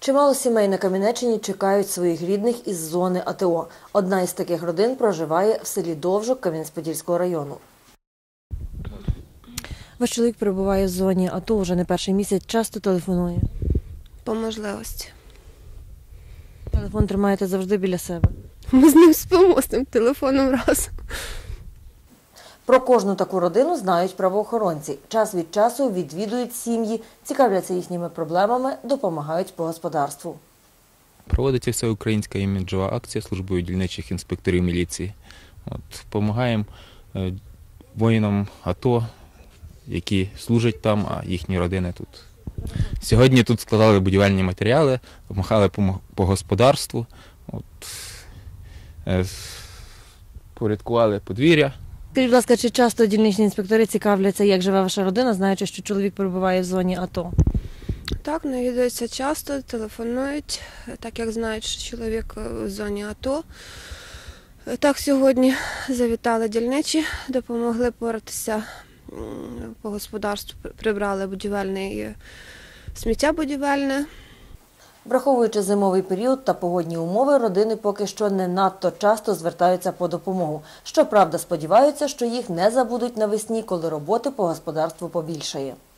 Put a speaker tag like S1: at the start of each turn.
S1: Чимало сімей на Кам'янеччині чекають своїх рідних із зони АТО. Одна із таких родин проживає в селі Довжок Кам'янець-Подільського району. Ваш чоловік перебуває в зоні АТО вже не перший місяць, часто телефонує.
S2: По можливості.
S1: Телефон тримаєте завжди біля себе.
S2: Ми з ним спимо, з тим телефоном разом.
S1: Про кожну таку родину знають правоохоронці. Час від часу відвідують сім'ї, цікавляться їхніми проблемами, допомагають по господарству.
S3: Проводиться всеукраїнська іміджова акція службою дільничих інспекторів міліції. Допомагаємо воїнам АТО, які служать там, а їхні родини тут. Сьогодні тут складали будівельні матеріали, допомагали по господарству, порядкували подвір'я.
S1: Скажіть, будь ласка, чи часто дільничні інспектори цікавляться, як живе ваша родина, знаючи, що чоловік перебуває в зоні АТО?
S2: Так, навідуються часто, телефонують, так як знають, що чоловік в зоні АТО. Так, сьогодні завітали дільничі, допомогли поратися по господарству, прибрали сміття будівельне.
S1: Враховуючи зимовий період та погодні умови, родини поки що не надто часто звертаються по допомогу. Щоправда, сподіваються, що їх не забудуть навесні, коли роботи по господарству побільшає.